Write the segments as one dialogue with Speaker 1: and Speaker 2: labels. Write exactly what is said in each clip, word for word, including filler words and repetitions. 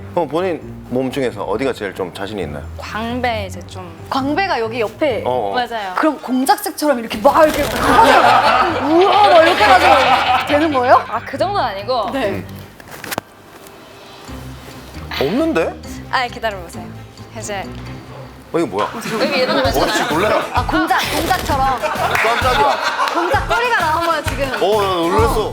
Speaker 1: 그럼 본인 몸 중에서 어디가 제일 좀 자신이 있나요?
Speaker 2: 광배 이제 좀
Speaker 3: 광배가 여기 옆에.
Speaker 1: 어, 어.
Speaker 2: 맞아요.
Speaker 3: 그럼 공작색처럼 이렇게 막 이렇게 하면 우와 막 이렇게 해가지고 되는 거예요?
Speaker 2: 아 그 정도는 아니고.
Speaker 3: 네.
Speaker 1: 없는데?
Speaker 2: 아 기다려보세요. 이제
Speaker 1: 어, 이거 뭐야?
Speaker 2: 여기 일어나면
Speaker 1: 어씨
Speaker 2: 되잖아요.
Speaker 1: 놀래라.
Speaker 3: 아 공작 공작처럼
Speaker 1: 깜짝이야.
Speaker 3: 공작 꼬리가 나온 거야 지금.
Speaker 1: 어, 나 놀랐어.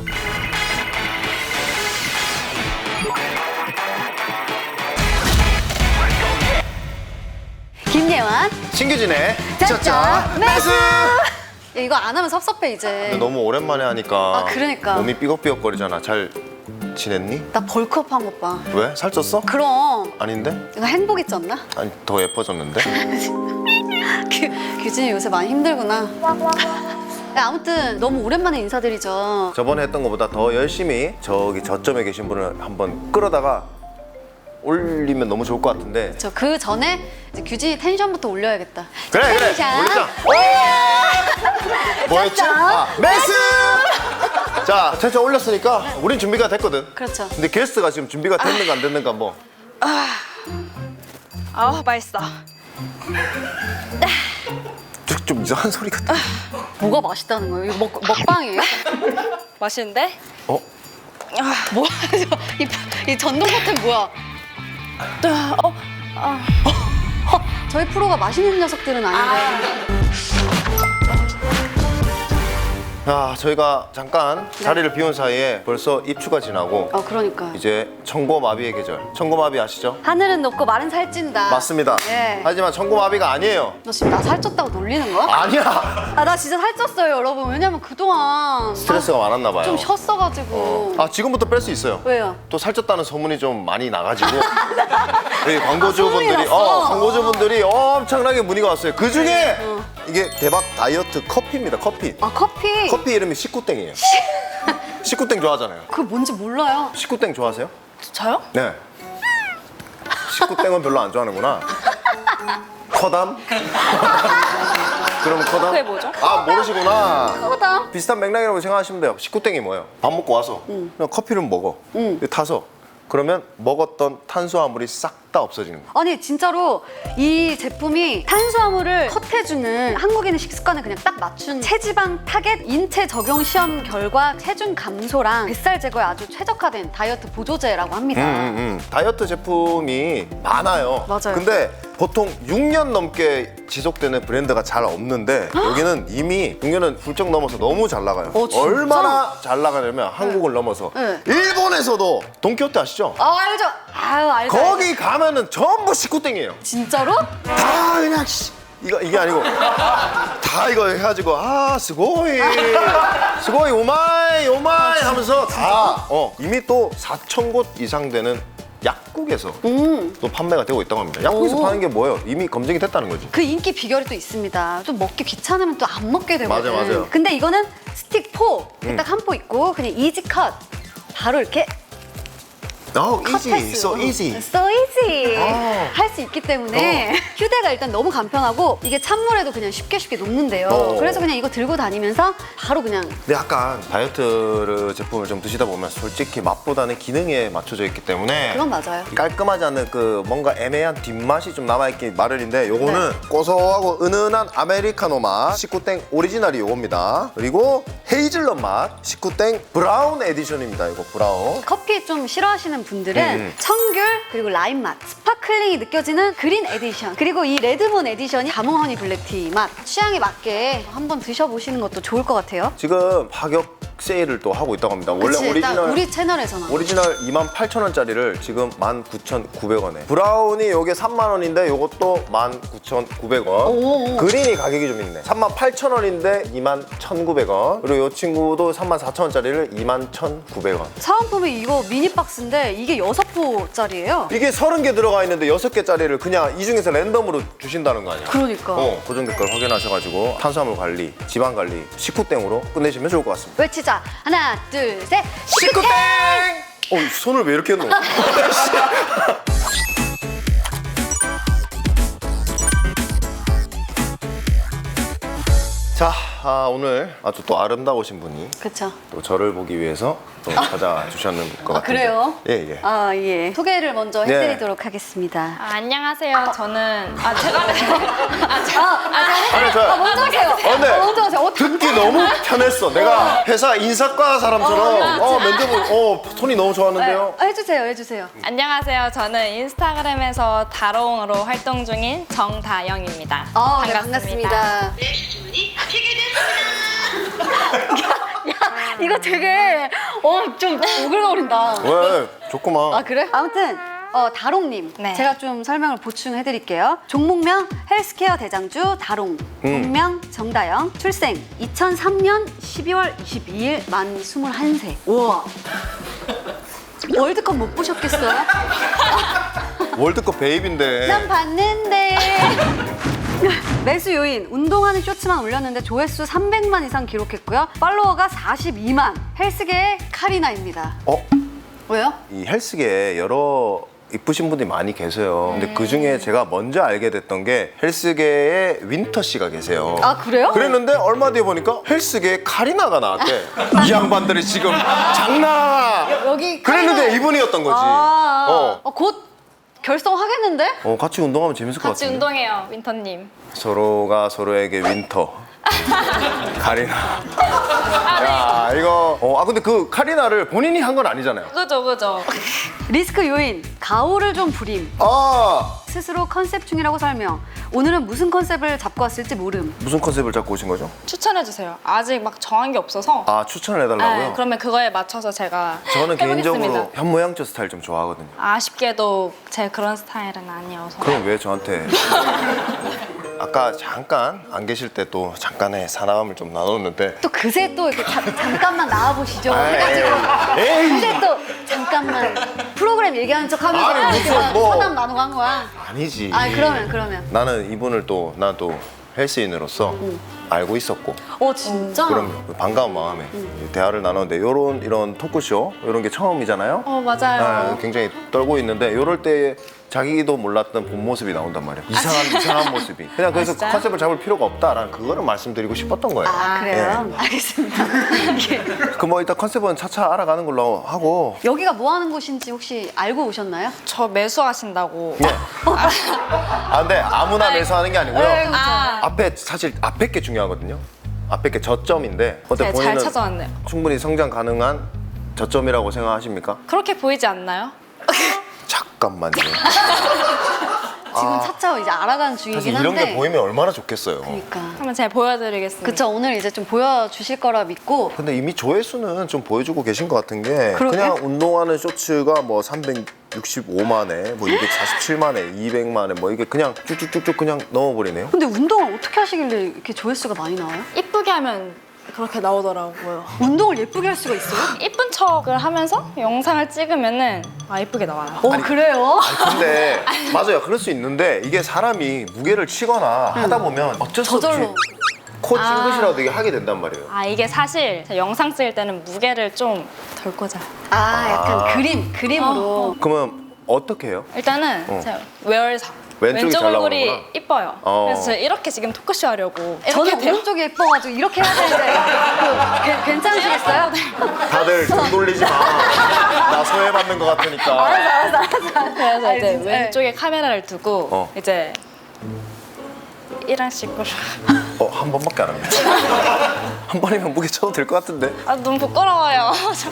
Speaker 3: 김예완
Speaker 1: 신규진의
Speaker 3: 짜짜
Speaker 1: 짜짜
Speaker 3: 매수.
Speaker 1: 매수.
Speaker 3: 야, 이거 안 하면 섭섭해 이제.
Speaker 1: 근데 너무 오랜만에 하니까
Speaker 3: 아, 그러니까.
Speaker 1: 몸이 삐걱삐걱거리잖아. 잘 지냈니?
Speaker 3: 나 벌크업한 것 봐.
Speaker 1: 왜? 살쪘어?
Speaker 3: 그럼
Speaker 1: 아닌데?
Speaker 3: 이거 행복 있지 않나?
Speaker 1: 아니 더 예뻐졌는데?
Speaker 3: 규, 규진이 요새 많이 힘들구나. 야, 아무튼 너무 오랜만에 인사드리죠.
Speaker 1: 저번에 했던 것보다 더 열심히 저기 저점에 계신 분을 한번 끌어다가 올리면 너무 좋을 것 같은데.
Speaker 3: 저 그 전에 이제 규진이 텐션부터 올려야겠다.
Speaker 1: 그래 그래
Speaker 3: 텐션.
Speaker 1: 올리자. 뭐였지?
Speaker 3: 짜짜.
Speaker 1: 아, 매수! 자 텐션 올렸으니까 우린 준비가 됐거든.
Speaker 3: 그렇죠.
Speaker 1: 근데 게스트가 지금 준비가 됐는가 안 됐는가 뭐.
Speaker 2: 아 맛있어.
Speaker 1: 좀, 좀 이상한 소리 같아.
Speaker 3: 뭐가 맛있다는 거예요? 이거 먹, 먹방이에요?
Speaker 2: 맛있는데?
Speaker 1: 어?
Speaker 3: 뭐야? 이, 이 전동 버튼 뭐야?
Speaker 2: 어? 아.
Speaker 3: 허, 저희 프로가 맛있는 녀석들은 아닌데.
Speaker 1: 자 저희가 잠깐 자리를 비운 사이에 벌써 입추가 지나고
Speaker 3: 어, 그러니까.
Speaker 1: 이제 청고마비의 계절. 청고마비 아시죠?
Speaker 3: 하늘은 높고 말은 살찐다.
Speaker 1: 맞습니다.
Speaker 3: 예.
Speaker 1: 하지만 청고마비가 아니에요.
Speaker 3: 너 지금 나 살쪘다고 놀리는 거야?
Speaker 1: 아니야.
Speaker 3: 아, 나 진짜 살쪘어요, 여러분. 왜냐면 그동안
Speaker 1: 스트레스가 많았나 봐요.
Speaker 3: 좀 쉬었어가지고.
Speaker 1: 아 지금부터 뺄 수 있어요.
Speaker 3: 왜요?
Speaker 1: 또 살쪘다는 소문이 좀 많이 나가지고 여기 광고주분들이
Speaker 3: 소문이 났어.
Speaker 1: 어 광고주분들이 엄청나게 문의가 왔어요. 그 중에 이게 대박 다이어트 커피입니다. 커피.
Speaker 3: 아, 커피?
Speaker 1: 커피 이름이 식구땡이에요. 식구땡 좋아하잖아요.
Speaker 3: 그거 뭔지 몰라요.
Speaker 1: 식구땡 좋아하세요?
Speaker 2: 저요?
Speaker 1: 네. 식구땡은 별로 안 좋아하는구나. 커담? 그럼 커담?
Speaker 2: 그게 뭐죠?
Speaker 1: 아 모르시구나.
Speaker 3: 커담?
Speaker 1: 비슷한 맥락이라고 생각하시면 돼요. 식구땡이 뭐예요? 밥 먹고 와서 그냥 커피를 먹어.
Speaker 3: 응.
Speaker 1: 타서 그러면 먹었던 탄수화물이 싹 다 없어지는 거야.
Speaker 3: 아니 진짜로 이 제품이 탄수화물을 컷해주는 한국인의 식습관을 그냥 딱 맞춘 체지방 타겟 인체 적용 시험 결과 체중 감소랑 뱃살 제거에 아주 최적화된 다이어트 보조제라고 합니다.
Speaker 1: 음, 음, 음. 다이어트 제품이 많아요.
Speaker 3: 맞아요.
Speaker 1: 근데 보통 육 년 넘게 지속되는 브랜드가 잘 없는데 여기는 이미 육 년은 훌쩍 넘어서 너무 잘 나가요.
Speaker 3: 어, 진짜?
Speaker 1: 얼마나 잘 나가냐면 한국을 넘어서
Speaker 3: 네.
Speaker 1: 일본에서도 돈키호테 아시죠?
Speaker 3: 아, 알죠? 아유, 알죠.
Speaker 1: 거기
Speaker 3: 알죠.
Speaker 1: 가면은 전부 식구땡이에요.
Speaker 3: 진짜로?
Speaker 1: 다 그냥 씨, 이거 이게 아니고 다 이거 해가지고 아 스고이 스고이 오마이 오마이 하면서 다 어, 이미 또 사천 곳 이상 되는 약국에서
Speaker 3: 음.
Speaker 1: 또 판매가 되고 있다고 합니다. 약국에서
Speaker 3: 오.
Speaker 1: 파는 게 뭐예요? 이미 검증이 됐다는 거지.
Speaker 3: 그 인기 비결이 또 있습니다. 좀 먹기 귀찮으면 또 안 먹게 되거든.
Speaker 1: 맞아, 맞아요.
Speaker 3: 근데 이거는 스틱 포,
Speaker 1: 음.
Speaker 3: 딱 한 포 있고 그냥 이지 컷. 바로 이렇게
Speaker 1: Oh, easy,
Speaker 3: 컷할 수.
Speaker 1: so easy.
Speaker 3: So easy.
Speaker 1: 어.
Speaker 3: 할 수 있기 때문에 휴대가 일단 너무 간편하고 이게 찬물에도 그냥 쉽게 쉽게 녹는데요.
Speaker 1: 어.
Speaker 3: 그래서 그냥 이거 들고 다니면서 바로 그냥
Speaker 1: 근데 약간 다이어트 제품을 좀 드시다 보면 솔직히 맛보다는 기능에 맞춰져 있기 때문에
Speaker 3: 그건 맞아요.
Speaker 1: 깔끔하지 않은 그 뭔가 애매한 뒷맛이 좀 남아있기 마련인데 요거는
Speaker 3: 네.
Speaker 1: 고소하고 은은한 아메리카노 맛 식구땡 오리지널이 요겁니다. 그리고 헤이즐넛 맛 식구땡 브라운 에디션입니다. 이거 브라운.
Speaker 3: 커피 좀 싫어하시는 분들은
Speaker 1: 음.
Speaker 3: 청귤 그리고 라임 맛, 스파클링이 느껴지는 그린 에디션 그리고 이 레드문 에디션이 자몽 허니 블랙티 맛 취향에 맞게 한번 드셔보시는 것도 좋을 것 같아요.
Speaker 1: 지금 가격 세일을 또 하고 있다고 합니다. 원래
Speaker 3: 그치, 딱
Speaker 1: 오리지널
Speaker 3: 우리 채널에서만
Speaker 1: 오리지널 이만 팔천 원짜리를 지금 만 구천 구백 원에 브라운이 요게 삼만 원인데 요것도 만 구천 구백 원
Speaker 3: 오.
Speaker 1: 그린이 가격이 좀 있네. 삼만 팔천 원인데 이만 천구백 원 그리고 요 친구도 삼만 사천 원짜리를 이만 천구백 원.
Speaker 3: 사은품이 이거 미니 박스인데 이게 여섯 포짜리예요.
Speaker 1: 이게 서른 개 들어가 있는데 여섯 개짜리를 그냥 이 중에서 랜덤으로 주신다는 거 아니야?
Speaker 3: 그러니까
Speaker 1: 어, 고정 댓글 확인하셔가지고 탄수화물 관리, 지방 관리, 식후땡으로 끝내시면 좋을 것 같습니다.
Speaker 3: 외치자 하나 둘 셋
Speaker 1: 식구땡! 어, 손을 왜 이렇게 했노? 자, 아, 오늘 아주 또 아름다우신 분이
Speaker 3: 그쵸.
Speaker 1: 또 저를 보기 위해서 또 찾아주셨는 것
Speaker 3: 아,
Speaker 1: 같은데.
Speaker 3: 그래요?
Speaker 1: 예, 예.
Speaker 3: 아, 예. 소개를 먼저
Speaker 1: 네.
Speaker 3: 해드리도록 하겠습니다.
Speaker 2: 아, 안녕하세요. 저는 아 제가 아, 제가
Speaker 3: 아, 아,
Speaker 1: 아니, 저
Speaker 3: 아, 먼저 하세요.
Speaker 1: 어, 근데
Speaker 3: 아, 먼저 하세요. 어,
Speaker 1: 듣기 너무 편했어. 내가 회사 인사과 사람처럼
Speaker 2: 어,
Speaker 1: 어, 면접을 어, 톤이 너무 좋았는데요.
Speaker 3: 아, 해주세요, 해주세요.
Speaker 2: 안녕하세요. 저는 인스타그램에서 다롱으로 활동 중인 정다영입니다.
Speaker 3: 아, 네,
Speaker 2: 반갑습니다.
Speaker 3: 반갑습니다. 야, 이거 되게 어 좀 오글거린다.
Speaker 1: 왜? 좋구만.
Speaker 3: 아 그래? 아무튼 어, 다롱님
Speaker 2: 네.
Speaker 3: 제가 좀 설명을 보충해드릴게요. 종목명 헬스케어 대장주 다롱, 본명 정다영, 출생 이천삼 년 십이월 이십이일 만 스물한 세. 우와. 월드컵 못 보셨겠어요?
Speaker 1: 월드컵 베이비인데.
Speaker 3: 난 봤는데. 매수 요인, 운동하는 쇼츠만 올렸는데 조회수 삼백만 이상 기록했고요. 팔로워가 사십이만. 헬스계의 카리나입니다.
Speaker 1: 어?
Speaker 3: 왜요?
Speaker 1: 이 헬스계에 여러 이쁘신 분들이 많이 계세요. 근데 그 중에 제가 먼저 알게 됐던 게 헬스계에 윈터 씨가 계세요.
Speaker 3: 아, 그래요?
Speaker 1: 그랬는데 얼마 뒤에 보니까 헬스계에 카리나가 나왔대. 이 양반들이 지금 장난.
Speaker 3: 여기
Speaker 1: 그랬는데
Speaker 3: 카리나-
Speaker 1: 이분이었던 거지.
Speaker 3: 아,
Speaker 1: 어.
Speaker 3: 어, 곧 결성하겠는데?
Speaker 1: 어, 같이 운동하면 재밌을 것
Speaker 2: 같이
Speaker 1: 같은데.
Speaker 2: 운동해요, 윈터님.
Speaker 1: 서로가 서로에게 윈터. 카리나. 야, 이거. 어, 아 근데 그 카리나를 본인이 한 건 아니잖아요.
Speaker 2: 그죠, 그죠.
Speaker 3: 리스크 요인, 가오를 좀 부림.
Speaker 1: 아,
Speaker 3: 스스로 컨셉 중이라고 설명. 오늘은 무슨 컨셉을 잡고 왔을지 모름.
Speaker 1: 무슨 컨셉을 잡고 오신 거죠?
Speaker 2: 추천해 주세요. 아직 막 정한 게 없어서.
Speaker 1: 아, 추천을 해달라고요?
Speaker 2: 네, 그러면 그거에 맞춰서 제가
Speaker 1: 저는
Speaker 2: 해보겠습니다.
Speaker 1: 개인적으로 현모양처 스타일 좀 좋아하거든요.
Speaker 2: 아쉽게도 제 그런 스타일은 아니어서.
Speaker 1: 그럼 왜 저한테? 아까 잠깐 안 계실 때 또 잠깐의 사나움을 좀 나눴는데.
Speaker 3: 또 그새 또 이렇게 자- 잠깐만 나와보시죠
Speaker 1: 아이,
Speaker 3: 해가지고
Speaker 1: 에이.
Speaker 3: 그새 또 잠깐만 프로그램 얘기하는 척하면서
Speaker 1: 아니,
Speaker 3: 이렇게
Speaker 1: 무슨
Speaker 3: 막
Speaker 1: 뭐.
Speaker 3: 서남 나누고 한 거야.
Speaker 1: 아니지.
Speaker 3: 아 그러면 그러면.
Speaker 1: 나는 이분을 또 나도 헬스인으로서 알고 있었고.
Speaker 3: 어 진짜?
Speaker 1: 그럼 반가운 마음에 대화를 나눴는데 이런 이런 토크쇼 이런 게 처음이잖아요.
Speaker 2: 어, 맞아요.
Speaker 1: 네, 굉장히 떨고 있는데 이럴 때 자기도 몰랐던 본 모습이 나온단 말이에요. 이상한 이상한 모습이. 그냥 그래서
Speaker 2: 진짜요?
Speaker 1: 컨셉을 잡을 필요가 없다라는 그거를 말씀드리고 싶었던 거예요.
Speaker 3: 아 그래요? 알겠습니다. 이게
Speaker 1: 그 뭐 일단 컨셉은 차차 알아가는 걸로 하고.
Speaker 3: 여기가 뭐 하는 곳인지 혹시 알고 오셨나요?
Speaker 2: 저 매수하신다고.
Speaker 1: 네. 아 근데 아무나 매수하는 게 아니고요.
Speaker 3: 네, 그렇죠.
Speaker 2: 아,
Speaker 1: 앞에 사실 앞에 게 중요하거든요. 앞에 게 저점인데 어때
Speaker 2: 네, 잘
Speaker 1: 본인은
Speaker 2: 찾아왔네요.
Speaker 1: 충분히 성장 가능한 저점이라고 생각하십니까?
Speaker 2: 그렇게 보이지 않나요?
Speaker 1: 잠깐만요.
Speaker 3: 지금 차차 이제 알아가는
Speaker 1: 사실
Speaker 3: 중이긴
Speaker 1: 이런
Speaker 3: 한데.
Speaker 1: 게 보이면 얼마나 좋겠어요.
Speaker 3: 그러니까.
Speaker 2: 한번 제가 보여드리겠습니다.
Speaker 3: 그쵸 오늘 이제 좀 보여주실 거라 믿고.
Speaker 1: 근데 이미 조회수는 좀 보여주고 계신 것 같은 게
Speaker 3: 그러게?
Speaker 1: 그냥 운동하는 쇼츠가 뭐 삼백육십오만에 뭐 이백사십칠만에 이백만에 뭐 이게 그냥 쭉쭉쭉쭉 그냥 넘어버리네요.
Speaker 3: 근데 운동을 어떻게 하시길래 이렇게 조회수가 많이 나와요?
Speaker 2: 이쁘게 하면 그렇게 나오더라고요.
Speaker 3: 운동을 예쁘게 할 수가 있어요?
Speaker 2: 이쁜 척을 하면서 영상을 찍으면은 아 이쁘게 나와요.
Speaker 3: 어 그래요?
Speaker 1: 아니, 근데 맞아요. 그럴 수 있는데 이게 사람이 무게를 치거나 하다 보면 어쩔 수 없이
Speaker 3: 저절로.
Speaker 1: 코 찡긋이라도 이게 하게 된단 말이에요.
Speaker 2: 아 이게 사실 제가 영상 찍을 때는 무게를 좀 덜 꽂아요.
Speaker 3: 아 약간
Speaker 1: 아.
Speaker 3: 그림 그림으로.
Speaker 1: 그러면 어떻게 해요?
Speaker 2: 일단은
Speaker 1: 어.
Speaker 2: 제가 외월사
Speaker 1: 왼쪽이
Speaker 2: 왼쪽
Speaker 1: 잘
Speaker 2: 얼굴이
Speaker 1: 나오는구나.
Speaker 2: 이뻐요.
Speaker 1: 어.
Speaker 2: 그래서 제가 이렇게 지금 토크쇼 하려고 이렇게
Speaker 3: 저는
Speaker 2: 돼요.
Speaker 3: 오른쪽이 예뻐가지고 이렇게 해야 되는데 그, 괜- 괜찮으시겠어요?
Speaker 1: 다들 등 돌리지 마. 나 소외받는 것 같으니까.
Speaker 2: 그래서
Speaker 3: 아니,
Speaker 2: 이제
Speaker 3: 진짜.
Speaker 2: 왼쪽에 카메라를 두고
Speaker 1: 어.
Speaker 2: 이제 이런 식으로
Speaker 1: 어, 한 번밖에 안 합니다. 한 번이면 무게 쳐도 될 것 같은데.
Speaker 2: 아 너무 부끄러워요.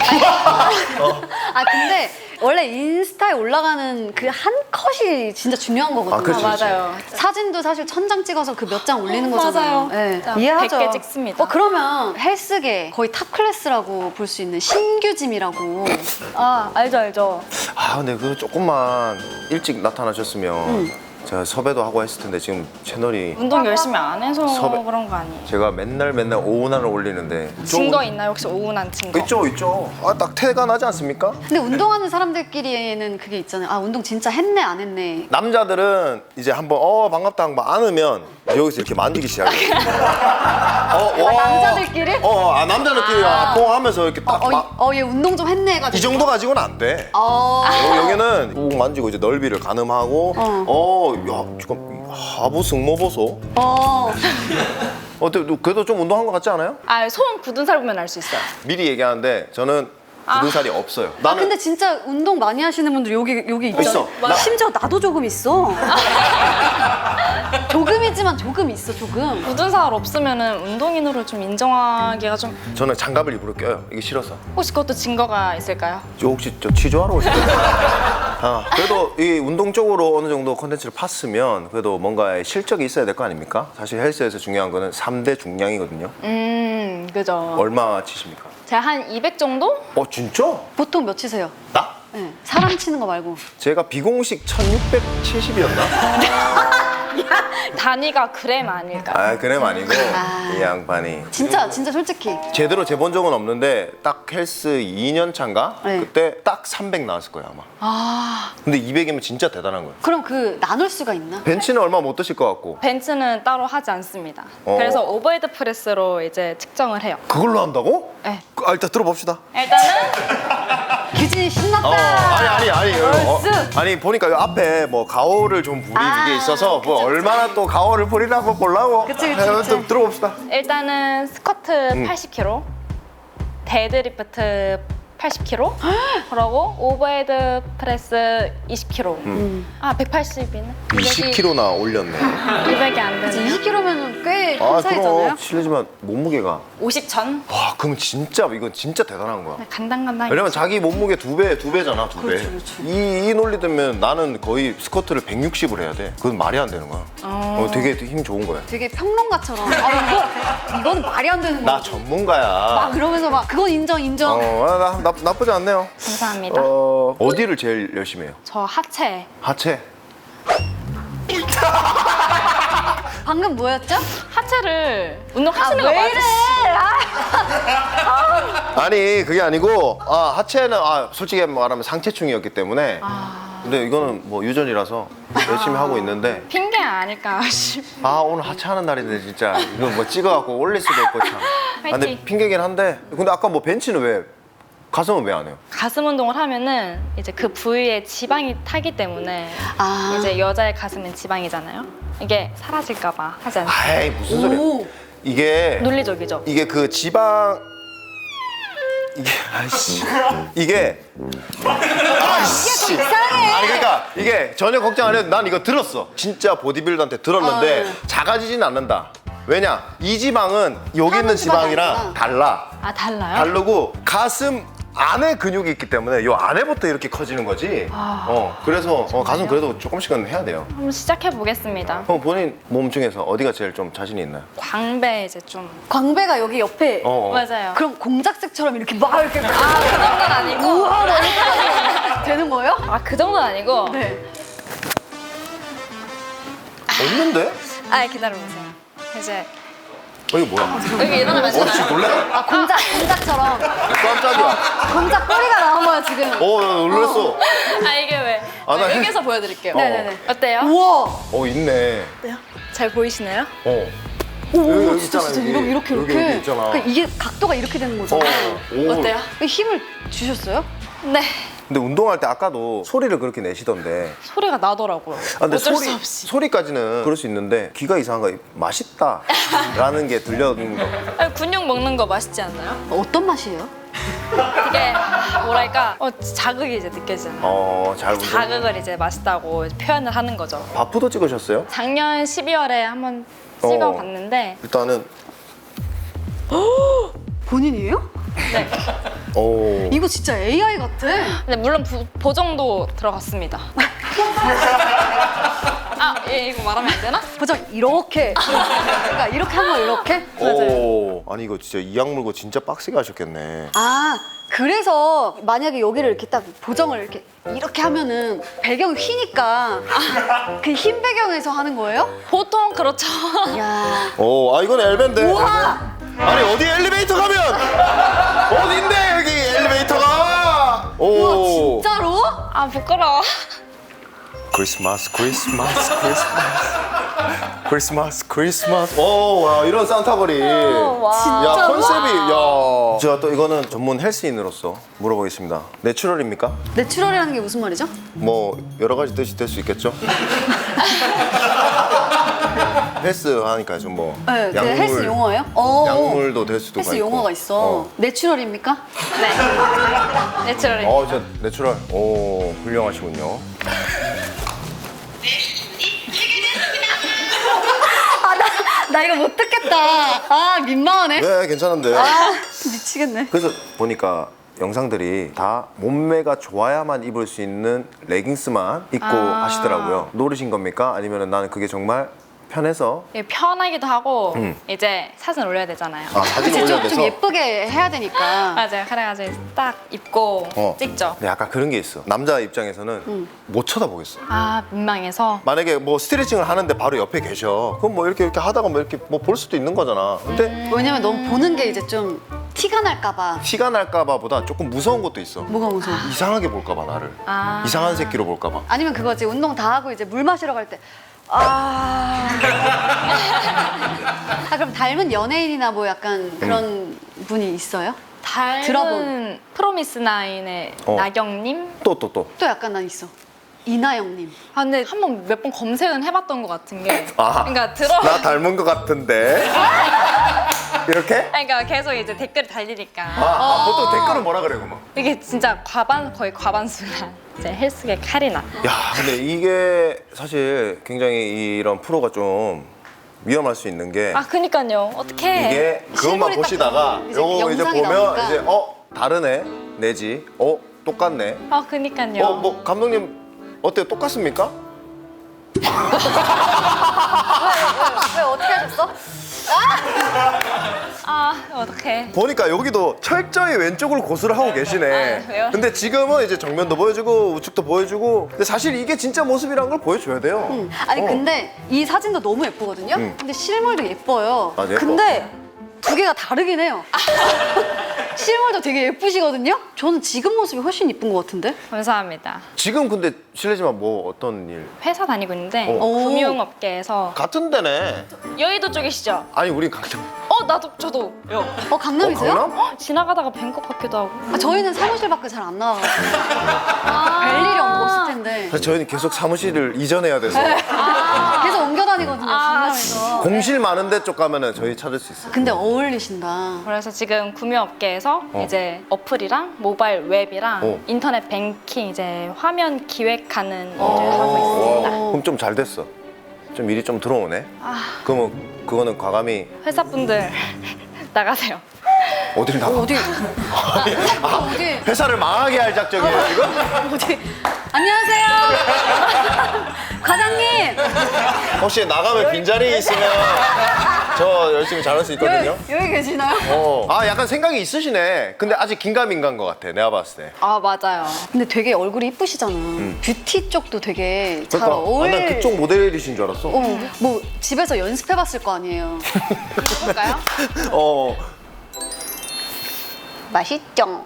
Speaker 3: 아 근데 원래 인스타에 올라가는 그 한 컷이 진짜 중요한 거거든요.
Speaker 1: 아, 그렇지, 그렇지.
Speaker 2: 맞아요.
Speaker 3: 사진도 사실 천 장 찍어서 그 몇 장 올리는
Speaker 2: 어,
Speaker 3: 거잖아요.
Speaker 2: 맞아요.
Speaker 3: 네,
Speaker 2: 진짜
Speaker 3: 이해하죠.
Speaker 2: 백 개 찍습니다.
Speaker 3: 어 그러면 헬스계 거의 탑 클래스라고 볼 수 있는 신규짐이라고.
Speaker 2: 아 알죠 알죠.
Speaker 1: 아 근데 그 조금만 일찍 나타나셨으면 제가 섭외도 하고 했을 텐데 지금 채널이
Speaker 2: 운동 열심히 안 해서
Speaker 1: 섭외-
Speaker 2: 그런 거 아니에요?
Speaker 1: 제가 맨날 맨날 오운환을 올리는데
Speaker 2: 증거 있나요? 혹시 오운한 증거?
Speaker 1: 있죠 있죠. 아 딱 태가 나지 않습니까?
Speaker 3: 근데 운동하는 사람들끼리는 그게 있잖아요. 아 운동 진짜 했네 안 했네.
Speaker 1: 남자들은 이제 한번 어 반갑다 한번 안으면 여기서 이렇게 만지기 시작해요. 어, 와.
Speaker 3: 남자들끼리?
Speaker 1: 어, 아 남자들끼리 아, 뽕하면서 이렇게 딱
Speaker 3: 어,
Speaker 1: 막-
Speaker 3: 어, 얘 운동 좀 했네 해가지고.
Speaker 1: 이 정도 가지고는 안 돼.
Speaker 3: 어.
Speaker 1: 여- 여기는 꾹 만지고 이제 넓이를 가늠하고
Speaker 3: 어.
Speaker 1: 어, 야, 지금 하부 승모 보소.
Speaker 3: 어.
Speaker 1: 어때? 그래도 좀 운동한 것 같지 않아요?
Speaker 2: 아, 손 굳은 살 보면 알 수 있어요.
Speaker 1: 미리 얘기하는데 저는 굳은
Speaker 2: 아.
Speaker 1: 살이 없어요.
Speaker 3: 아 근데 진짜 운동 많이 하시는 분들 여기 여기 있잖아.
Speaker 1: 있어. 나-
Speaker 3: 심지어 나도 조금 있어. 조금이지만 조금 있어 조금.
Speaker 2: 굳은 살 없으면은 운동인으로 좀 인정하기가 좀
Speaker 1: 저는 장갑을 일부러 껴요. 이게 싫어서.
Speaker 2: 혹시 그것도 증거가 있을까요?
Speaker 1: 저 혹시 저 취조하러 오신 거예요? 아, 그래도 이 운동 쪽으로 어느 정도 컨텐츠를 팠으면 그래도 뭔가 실적이 있어야 될 거 아닙니까? 사실 헬스에서 중요한 거는 삼 대 중량이거든요.
Speaker 2: 음, 그죠.
Speaker 1: 얼마 치십니까?
Speaker 2: 제가 한 이백 정도?
Speaker 1: 어, 진짜?
Speaker 3: 보통 몇 치세요?
Speaker 1: 나?
Speaker 3: 네. 사람 치는 거 말고.
Speaker 1: 제가 비공식 천육백칠십이었나?
Speaker 2: 단위가 그램 아닐까?
Speaker 1: 아, 그램 아니고
Speaker 3: 아.
Speaker 1: 이 양반이
Speaker 3: 진짜 진짜 솔직히.
Speaker 1: 제대로 재본 적은 없는데 딱 헬스 이 년 차인가?
Speaker 3: 네.
Speaker 1: 그때 딱 삼백 나왔을 거예요 아마.
Speaker 2: 아,
Speaker 1: 근데 이백이면 진짜 대단한 거예요.
Speaker 3: 그럼 그 나눌 수가 있나?
Speaker 1: 벤치는 얼마 못 드실 것 같고
Speaker 2: 벤츠는 따로 하지 않습니다.
Speaker 1: 어.
Speaker 2: 그래서 오버헤드 프레스로 이제 측정을 해요.
Speaker 1: 그걸로 한다고?
Speaker 2: 네.
Speaker 1: 아, 일단 들어봅시다.
Speaker 2: 일단은
Speaker 3: 규진이 신났다.
Speaker 1: 어, 아니 아니 아니 어,
Speaker 3: 얼쑤.
Speaker 1: 아니 보니까 요 앞에 뭐 가오를 좀 부린
Speaker 3: 아,
Speaker 1: 게 있어서 뭐
Speaker 3: 그쵸,
Speaker 1: 얼마나 또 가오를 부리나 한번 보려고.
Speaker 3: 그치, 그치,
Speaker 1: 네,
Speaker 3: 그치.
Speaker 1: 좀 들어봅시다.
Speaker 2: 일단은 스쿼트 팔십 킬로그램, 데드리프트 팔십 킬로그램, 그러고 오버헤드 프레스 이십 킬로그램. 아, 백팔십이네.
Speaker 1: 이십 킬로그램나 올렸네.
Speaker 2: 이백이 안 되네.
Speaker 3: 이십 킬로그램이면 꽤
Speaker 1: 아
Speaker 3: 큰 차이잖아요.
Speaker 1: 그럼 실례지만 몸무게가
Speaker 2: 오십 전?
Speaker 1: 와 그럼 진짜 이건 진짜 대단한 거야.
Speaker 2: 간당간당.
Speaker 1: 왜냐면 자기 몸무게 두 배, 두 배잖아, 두 배.
Speaker 3: 그렇지, 그렇지.
Speaker 1: 이, 이 논리 들면 나는 거의 스쿼트를 백육십을 해야 돼. 그건 말이 안 되는 거야. 어, 되게 힘 좋은 거야.
Speaker 3: 되게 평론가처럼. 아 이거 이건 말이 안 되는 거야.
Speaker 1: 나 전문가야.
Speaker 3: 막 그러면서 막 그건 인정 인정.
Speaker 1: 어, 나, 나, 나쁘지 않네요.
Speaker 2: 감사합니다.
Speaker 1: 어, 어디를 제일 열심히 해요?
Speaker 2: 저 하체.
Speaker 1: 하체?
Speaker 3: 방금 뭐였죠?
Speaker 2: 하체를 운동하시는
Speaker 3: 아,
Speaker 2: 거
Speaker 3: 왜 이래?
Speaker 2: 맞으시-
Speaker 1: 아니 그게 아니고 아 하체는 아 솔직히 말하면 상체충이었기 때문에
Speaker 2: 아,
Speaker 1: 근데 이거는 뭐 유전이라서 열심히 하고 있는데
Speaker 2: 핑계 아닐까 싶.
Speaker 1: 아 오늘 하체 하는 날인데 진짜 이거 뭐 찍어갖고 올릴 수도 있고 참 아, 근데
Speaker 2: 화이팅.
Speaker 1: 핑계긴 한데 근데 아까 뭐 벤치는 왜 가슴은 왜 안 해요?
Speaker 2: 가슴 운동을 하면은 이제 그 부위에 지방이 타기 때문에
Speaker 3: 아.
Speaker 2: 이제 여자의 가슴은 지방이잖아요. 이게 사라질까봐 하지 않아요.
Speaker 1: 아이 무슨 소리야
Speaker 3: 오.
Speaker 1: 이게
Speaker 2: 논리적이죠.
Speaker 1: 이게 그 지방 이게 아이씨 이게 아이씨
Speaker 3: 이상해.
Speaker 1: 아니 그러니까 이게 전혀 걱정 안 해도 난 이거 들었어 진짜 보디빌더한테 들었는데
Speaker 3: 어, 네.
Speaker 1: 작아지진 않는다 왜냐 이 지방은 여기 있는
Speaker 3: 지방이
Speaker 1: 지방이랑
Speaker 3: 아니구나.
Speaker 1: 달라
Speaker 2: 아, 달라요?
Speaker 1: 다르고 가슴 안에 근육이 있기 때문에 요 안에부터 이렇게 커지는 거지
Speaker 2: 아.
Speaker 1: 어 그래서 어, 가슴 그래도 조금씩은 해야 돼요
Speaker 2: 한번 시작해 보겠습니다.
Speaker 1: 그럼 본인 몸 중에서 어디가 제일 좀 자신이 있나요?
Speaker 2: 광배 이제 좀.
Speaker 3: 광배가 여기 옆에.
Speaker 1: 어, 어.
Speaker 2: 맞아요.
Speaker 3: 그럼 공작색처럼 이렇게 막 이렇게
Speaker 2: 아, 그 정도는 아니고.
Speaker 3: 우와 막 이렇게 되는 거예요?
Speaker 2: 아, 그 정도는 아니고.
Speaker 3: 네.
Speaker 1: 없는데?
Speaker 2: 아, 기다려보세요. 이제
Speaker 1: 어 이거 뭐야?
Speaker 2: 여기 일어나면
Speaker 1: 어 지금
Speaker 2: 되나요?
Speaker 1: 놀래?
Speaker 3: 아 공작 공작처럼
Speaker 1: 깜짝이야
Speaker 3: 공작 꼬리가 나온 거야 지금.
Speaker 1: 어, 나 놀랐어.
Speaker 2: 아, 이게 왜?
Speaker 1: 아, 나
Speaker 2: 여기서 보여드릴게요.
Speaker 1: 어.
Speaker 3: 네네네.
Speaker 2: 어때요?
Speaker 3: 우와.
Speaker 1: 어, 있네.
Speaker 2: 어때요? 잘 보이시나요?
Speaker 1: 어.
Speaker 3: 오
Speaker 1: 여기, 여기
Speaker 3: 진짜
Speaker 1: 있잖아,
Speaker 3: 진짜
Speaker 1: 여기.
Speaker 3: 이렇게 이렇게
Speaker 1: 여기,
Speaker 3: 이렇게.
Speaker 1: 여기 있잖아.
Speaker 3: 그러니까 이게 각도가 이렇게 되는
Speaker 1: 어.
Speaker 3: 거잖아.
Speaker 1: 오.
Speaker 2: 어때요?
Speaker 3: 힘을 주셨어요?
Speaker 2: 네.
Speaker 1: 근데 운동할 때 아까도 소리를 그렇게 내시던데.
Speaker 2: 소리가 나더라고요.
Speaker 1: 아, 근데
Speaker 2: 어쩔
Speaker 1: 소리,
Speaker 2: 수 없이.
Speaker 1: 소리까지는 그럴 수 있는데 귀가 이상한 거 맛있다 라는 게 들려오는 거.
Speaker 2: 아니, 근육 먹는 거 맛있지 않나요?
Speaker 3: 어떤 맛이에요?
Speaker 2: 이게 뭐랄까 어, 자극이 이제 느껴지잖아요.
Speaker 1: 어, 잘 운동.
Speaker 2: 자극을 이제 맛있다고 표현을 하는 거죠.
Speaker 1: 바프도 찍으셨어요?
Speaker 2: 작년 십이월에 한번
Speaker 1: 어.
Speaker 2: 찍어봤는데
Speaker 1: 일단은
Speaker 3: 본인이에요?
Speaker 2: 네.
Speaker 1: 오.
Speaker 3: 이거 진짜 에이아이 같아.
Speaker 2: 근데 물론 부, 보정도 들어갔습니다. 아, 예, 이거 말하면 안 되나?
Speaker 3: 보자 이렇게. 그러니까 이렇게 한 거 이렇게.
Speaker 1: 오. 아니 이거 진짜 이악 물고 진짜 빡세게 하셨겠네.
Speaker 3: 아 그래서 만약에 여기를 이렇게 딱 보정을 이렇게 이렇게 하면은 배경이 휘니까 그 흰 배경에서 하는 거예요?
Speaker 2: 보통 그렇죠.
Speaker 3: 야.
Speaker 1: 오, 아 이건 엘베인데.
Speaker 3: 우와.
Speaker 1: 아니 어디 엘리베이터 가면 어딘데 여기 엘리베이터가. 오.
Speaker 3: 우와 진짜로?
Speaker 2: 아, 부끄러워.
Speaker 1: 크리스마스 크리스마스 크리스마스 크리스마스 크리스마스 오와 이런 산타거리
Speaker 2: 와.
Speaker 1: 야 컨셉이 야 제가 또 이거는 전문 헬스인으로서 물어보겠습니다 내추럴입니까?
Speaker 3: 내추럴이라는 게 무슨 말이죠?
Speaker 1: 뭐 여러 가지 뜻이 될 수 있겠죠? 헬스 하니까 좀 뭐
Speaker 3: 네, 그 헬스 용어예요? 어,
Speaker 1: 약물도 될 수도
Speaker 3: 헬스
Speaker 1: 있고.
Speaker 3: 용어가 있어.
Speaker 1: 어.
Speaker 3: 내추럴입니까?
Speaker 2: 네. 내추럴이.
Speaker 1: 어, 저 내추럴. 오, 훌륭하시군요.
Speaker 3: 아, 나, 나 이거 못 듣겠다. 아, 민망하네.
Speaker 1: 네, 괜찮은데.
Speaker 3: 아, 미치겠네.
Speaker 1: 그래서 보니까 영상들이 다 몸매가 좋아야만 입을 수 있는 레깅스만 입고
Speaker 2: 아.
Speaker 1: 하시더라고요. 노리신 겁니까? 아니면 나는 그게 정말 편해서
Speaker 2: 이게 편하기도 하고
Speaker 1: 음.
Speaker 2: 이제 사진 올려야 되잖아요.
Speaker 1: 아, 사진
Speaker 3: 그치,
Speaker 1: 올려야
Speaker 3: 좀, 좀
Speaker 1: 돼서.
Speaker 3: 예쁘게 해야 되니까.
Speaker 2: 맞아요. 그래가지고 딱 입고
Speaker 1: 어.
Speaker 2: 찍죠.
Speaker 1: 근데 약간 그런 게 있어. 남자 입장에서는 못 쳐다보겠어.
Speaker 2: 아 민망해서.
Speaker 1: 만약에 뭐 스트레칭을 하는데 바로 옆에 계셔. 그럼 뭐 이렇게 이렇게 하다가 뭐 이렇게 뭐 볼 수도 있는 거잖아. 근데
Speaker 3: 왜냐면 너무 보는 게 이제 좀 티가 날까봐.
Speaker 1: 티가 날까봐보다 조금 무서운 것도 있어.
Speaker 3: 뭐가 무서워?
Speaker 1: 이상하게 볼까봐 나를.
Speaker 2: 아.
Speaker 1: 이상한 새끼로 볼까봐.
Speaker 3: 아니면 그거지. 운동 다 하고 이제 물 마시러 갈 때. 아. 아, 그럼 닮은 연예인이나 뭐 약간 그런 분이 있어요?
Speaker 2: 닮은
Speaker 3: 들어본.
Speaker 2: 프로미스나인의
Speaker 1: 어.
Speaker 2: 나경님?
Speaker 1: 또 또 또.
Speaker 3: 또 약간 난 있어. 이나영님.
Speaker 2: 아 근데 한 번 몇 번 검색은 해봤던 것 같은 게
Speaker 1: 아,
Speaker 2: 그러니까 들어
Speaker 1: 나 닮은 것 같은데. 이렇게?
Speaker 2: 그러니까 계속 이제 댓글 달리니까
Speaker 1: 아, 아, 보통 댓글은 뭐라 그래, 그만.
Speaker 2: 이게 진짜 과반 거의 과반수가 이제 헬스계 카리나.
Speaker 1: 야, 근데 이게 사실 굉장히 이런 프로가 좀 위험할 수 있는 게
Speaker 2: 아 그니까요. 어떡해.
Speaker 1: 이게 그것만
Speaker 3: 실물이 딱
Speaker 1: 보시다가
Speaker 3: 이제
Speaker 1: 요거 이제
Speaker 3: 영상이
Speaker 1: 보면
Speaker 3: 나오니까.
Speaker 1: 이제 어 다르네 내지 어 똑같네.
Speaker 2: 아 그니까요.
Speaker 1: 어 뭐 감독님 어때요? 똑같습니까?
Speaker 3: 왜 어떻게 하셨어?
Speaker 2: 아 어떡해.
Speaker 1: 보니까 여기도 철저히 왼쪽으로 고수를 하고 계시네.
Speaker 2: 아, 왜요?
Speaker 1: 근데 지금은 이제 정면도 보여주고 우측도 보여주고. 근데 사실 이게 진짜 모습이란 걸 보여줘야 돼요.
Speaker 3: 응. 아니
Speaker 1: 어.
Speaker 3: 근데 이 사진도 너무 예쁘거든요.
Speaker 1: 응.
Speaker 3: 근데 실물도 예뻐요.
Speaker 1: 아, 예뻐.
Speaker 3: 근데 두 개가 다르긴 해요. 실물도 되게 예쁘시거든요. 저는 지금 모습이 훨씬 예쁜 것 같은데.
Speaker 2: 감사합니다.
Speaker 1: 지금 근데 실례지만 뭐 어떤 일?
Speaker 2: 회사 다니고 있는데
Speaker 1: 어.
Speaker 2: 금융업계에서
Speaker 1: 같은 데네.
Speaker 2: 여의도 쪽이시죠?
Speaker 1: 아니 우린 같은.
Speaker 2: 어 나도 저도 요.
Speaker 3: 어 강남이세요?
Speaker 1: 어, 강남?
Speaker 2: 어, 지나가다가 뵌 것 같기도 하고.
Speaker 3: 아, 저희는 사무실 밖에 잘 안 나와가지고 별 일이 없을 텐데
Speaker 1: 사실 저희는 계속 사무실을 이전해야 돼서
Speaker 3: 계속 옮겨 다니거든요.
Speaker 2: 아,
Speaker 3: 강남에서.
Speaker 1: 공실 많은 데 쪽 가면은 저희 찾을 수 있어요.
Speaker 3: 근데 어울리신다.
Speaker 2: 그래서 지금 금융업계에서
Speaker 1: 어.
Speaker 2: 이제 어플이랑 모바일 웹이랑
Speaker 1: 어.
Speaker 2: 인터넷 뱅킹 이제 화면 기획하는 일을
Speaker 1: 어.
Speaker 2: 하고 있습니다.
Speaker 1: 와, 그럼 좀 잘 됐어. 좀 일이 좀 들어오네.
Speaker 2: 아,
Speaker 1: 그러면 그거는 과감히
Speaker 2: 회사분들 나가세요.
Speaker 1: 어딜 나가?
Speaker 3: 어디 어디
Speaker 1: 회사를 망하게 할 작정이에요 지금?
Speaker 3: 어디 안녕하세요 과장님
Speaker 1: 혹시 나가면 빈자리 있으면 저 열심히 잘할 수 있거든요.
Speaker 3: 여기, 여기 계시나요?
Speaker 1: 어. 아 약간 생각이 있으시네. 근데 아직 긴가민가인 것 같아. 내가 봤을 때.
Speaker 2: 아 맞아요.
Speaker 3: 근데 되게 얼굴이 이쁘시잖아. 뷰티 쪽도 되게 잘
Speaker 1: 그러니까
Speaker 3: 어울.
Speaker 1: 아, 난 그쪽 모델이신 줄 알았어.
Speaker 3: 어, 뭐 집에서 연습해봤을 거 아니에요.
Speaker 2: 해볼까요?
Speaker 1: 어.
Speaker 3: 맛있죠?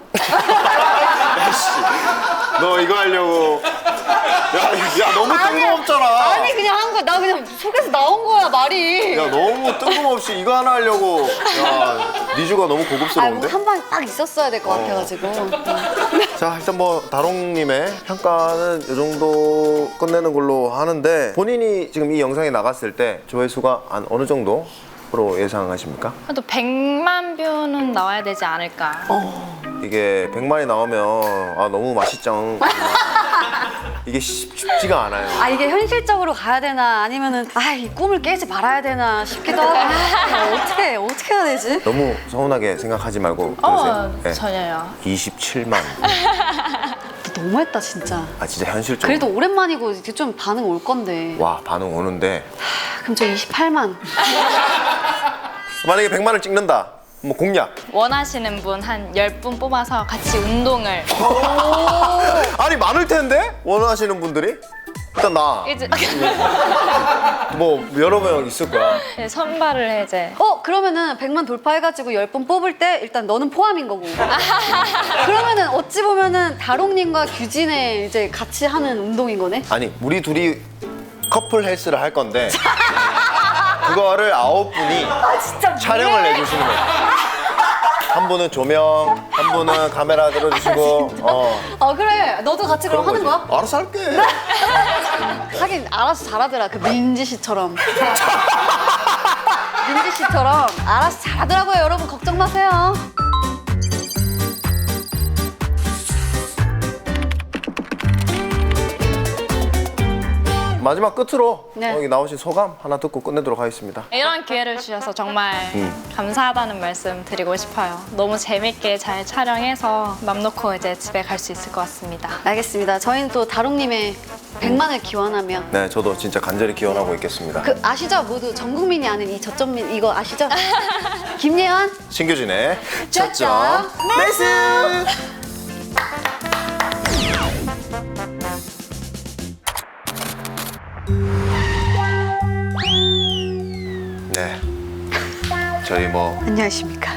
Speaker 1: 너 이거 하려고. 야, 야 너무 뜬금없잖아.
Speaker 3: 아니 그냥 한 거야. 나 그냥 속에서 나온 거야 말이.
Speaker 1: 야 너무 뜬금없이 이거 하나 하려고. 야 니주가 너무 고급스러운데?
Speaker 3: 아한 방에 딱 있었어야 될 것 같아가지고.
Speaker 1: 자 일단 뭐 다롱님의 평가는 이 정도 끝내는 걸로 하는데 본인이 지금 이 영상이 나갔을 때 조회수가 한 어느 정도로 예상하십니까?
Speaker 2: 그래도 백만 뷰는 나와야 되지 않을까.
Speaker 3: 어.
Speaker 1: 이게 백만이 나오면 아 너무 맛있죠. 이게 쉽- 쉽지가 않아요.
Speaker 3: 아 이게 현실적으로 가야 되나 아니면은 아 이 꿈을 깨지 말아야 되나 싶기도 하고. 아, 어떻게 어떻게 해야 되지?
Speaker 1: 너무 서운하게 생각하지 말고
Speaker 2: 어
Speaker 1: 그러세요. 네.
Speaker 2: 전혀요.
Speaker 1: 이십칠만.
Speaker 3: 너무했다 진짜.
Speaker 1: 아 진짜 현실적으로.
Speaker 3: 그래도 오랜만이고 이렇게 좀 반응 올 건데.
Speaker 1: 와 반응 오는데
Speaker 3: 그럼 저 이십팔만.
Speaker 1: 만약에 백만을 찍는다. 뭐 공략.
Speaker 2: 원하시는 분 한 열 분 뽑아서 같이 운동을
Speaker 1: 아니 많을 텐데 원하시는 분들이. 일단 나.
Speaker 2: 이제
Speaker 1: 뭐 여러 명 있을 거야.
Speaker 2: 선발을 이제
Speaker 3: 어 그러면은 백만 돌파해가지고 열 번 뽑을 때 일단 너는 포함인 거고. 그러면은 어찌 보면은 다롱님과 규진의 이제 같이 하는 운동인 거네.
Speaker 1: 아니 우리 둘이 커플 헬스를 할 건데 그거를 아홉 분이
Speaker 3: 진짜
Speaker 1: 촬영을 내주시는 거예요. 한 분은 조명, 한 분은 카메라 들어주시고. 어.
Speaker 3: 어 그래 너도 같이 그럼 하는 거야?
Speaker 1: 알아서 할게.
Speaker 3: 하긴 알아서 잘하더라 그 민지 씨처럼. 민지 씨처럼 알아서 잘하더라고요. 여러분 걱정 마세요.
Speaker 1: 마지막 끝으로
Speaker 3: 네.
Speaker 1: 여기 나오신 소감 하나 듣고 끝내도록 하겠습니다.
Speaker 2: 이런 기회를 주셔서 정말
Speaker 1: 음.
Speaker 2: 감사하다는 말씀 드리고 싶어요. 너무 재밌게 잘 촬영해서 맘 놓고 이제 집에 갈 수 있을 것 같습니다.
Speaker 3: 알겠습니다. 저희는 또 다롱님의 백만을 기원하며
Speaker 1: 네, 저도 진짜 간절히 기원하고 있겠습니다.
Speaker 3: 그 아시죠? 모두 전 국민이 아는 이 저점민 이거 아시죠? 김예원
Speaker 1: 신규진의
Speaker 3: 저점
Speaker 1: 저점 매스! 네, 저희 뭐
Speaker 3: 안녕하십니까.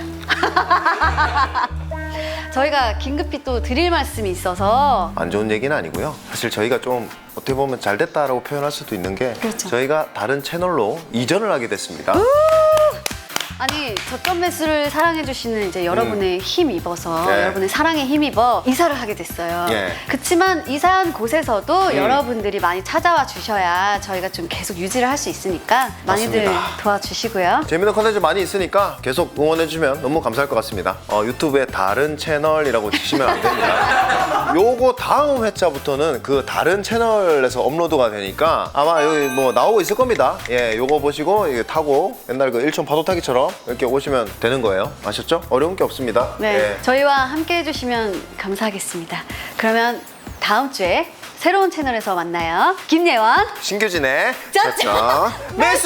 Speaker 3: 저희가 긴급히 또 드릴 말씀이 있어서
Speaker 1: 안 좋은 얘기는 아니고요. 사실 저희가 좀 어떻게 보면 잘 됐다라고 표현할 수도 있는 게
Speaker 3: 그렇죠.
Speaker 1: 저희가 다른 채널로 이전을 하게 됐습니다.
Speaker 3: 아니 저점 매수를 사랑해주시는 이제 여러분의 힘 입어서
Speaker 1: 네.
Speaker 3: 여러분의 사랑에 힘입어 이사를 하게 됐어요.
Speaker 1: 예.
Speaker 3: 그렇지만 이사한 곳에서도
Speaker 1: 음.
Speaker 3: 여러분들이 많이 찾아와 주셔야 저희가 좀 계속 유지를 할 수 있으니까 많이들
Speaker 1: 맞습니다.
Speaker 3: 도와주시고요.
Speaker 1: 재밌는 컨텐츠 많이 있으니까 계속 응원해주면 너무 감사할 것 같습니다. 어, 유튜브에 다른 채널이라고 치시면 안 됩니다. 요거 다음 회차부터는 그 다른 채널에서 업로드가 되니까 아마 여기 뭐 나오고 있을 겁니다. 예, 요거 보시고 이게 타고 옛날 그 일촌 파도 타기처럼 이렇게 오시면 되는 거예요. 아셨죠? 어려운 게 없습니다.
Speaker 3: 네,
Speaker 1: 예.
Speaker 3: 저희와 함께 해주시면 감사하겠습니다. 그러면 다음 주에 새로운 채널에서 만나요. 김예원
Speaker 1: 신규진의
Speaker 3: 저점
Speaker 1: 저점 매수!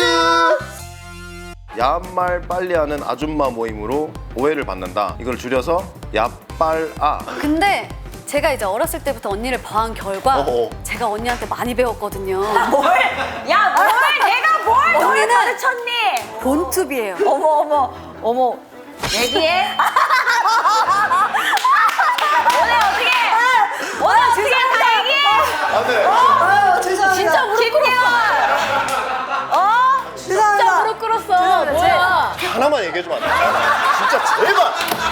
Speaker 1: 야말 빨리 하는 아줌마 모임으로 오해를 받는다. 이걸 줄여서 야빨아.
Speaker 3: 근데 제가 이제 어렸을 때부터 언니를 봐온 결과
Speaker 1: 어어.
Speaker 3: 제가 언니한테 많이 배웠거든요.
Speaker 4: 뭘? 야, 뭘? 내가 뭘 너를
Speaker 3: 언니는
Speaker 4: 가르쳤니?
Speaker 3: 본투비예요.
Speaker 4: 어머, 어머, 어머. 얘기해? 오늘 어떻게? 오늘 어떻게 다 얘기해?
Speaker 1: 안 돼.
Speaker 4: 어, 죄송합니다. 진짜 무릎 꿇었어. 어? 진짜 무릎 꿇었어. 뭐야?
Speaker 1: 하나만 얘기해주면 안 돼? 진짜 제발!